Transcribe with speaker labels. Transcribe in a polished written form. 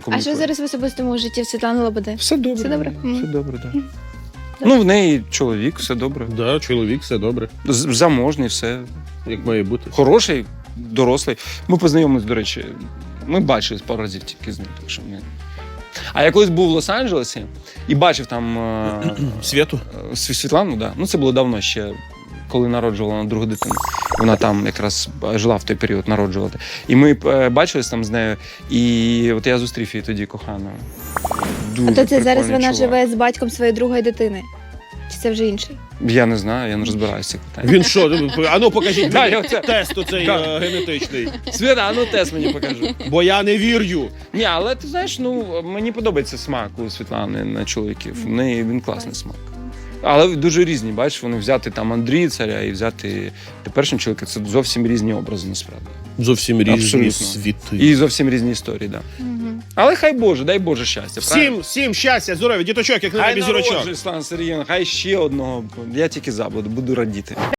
Speaker 1: комунікує.
Speaker 2: що зараз в особистому житті в Світлани Лободи?
Speaker 1: Все добре.
Speaker 2: Все добре?
Speaker 1: Все добре, так.
Speaker 2: Мгм.
Speaker 1: Ну, в неї чоловік, все добре.
Speaker 3: Да, чоловік, все добре.
Speaker 1: Заможний, все.
Speaker 3: Як має бути.
Speaker 1: Хороший, дорослий. Ми познайомились, до речі, ми бачились пару разів тільки з ним. Так що ми... А я колись був в Лос-Анджелесі і бачив там
Speaker 3: Світу?
Speaker 1: Світлану, да. Ну, це було давно ще, коли народжувала вона другу дитину. Вона там якраз жила в той період, народжувати. І ми бачились там з нею, і от я зустрів її тоді коханою. Дуже
Speaker 2: А то це зараз
Speaker 1: прикольний
Speaker 2: вона
Speaker 1: чувак.
Speaker 2: живе з батьком своєї другої дитини? Чи це вже інший?
Speaker 1: Я не знаю, я не розбираюся в цих питаннях.
Speaker 3: Він що? А ну покажіть
Speaker 1: Да,
Speaker 3: мені
Speaker 1: я оце-
Speaker 3: тест оцей
Speaker 1: Да.
Speaker 3: генетичний.
Speaker 1: Свята, а ну тест мені покажи.
Speaker 3: Бо я не вірю.
Speaker 1: Ні, але ти знаєш, ну мені подобається смак у Світлани на чоловіків. В неї він класний смак. Але дуже різні, бачиш, вони взяти там Андрія Царя і взяти теперішнього чоловіка. Це зовсім різні образи, насправді.
Speaker 3: Зовсім різні
Speaker 1: Абсолютно.
Speaker 3: світи.
Speaker 1: І зовсім різні історії, так. Да. Але хай Боже, дай Боже щастя.
Speaker 3: Всім щастя, здоров'я, діточок, як на
Speaker 1: Хай
Speaker 3: небі зірочок.
Speaker 1: народжує, Слава Сергіївна, хай ще одного. Я тільки за буду радіти.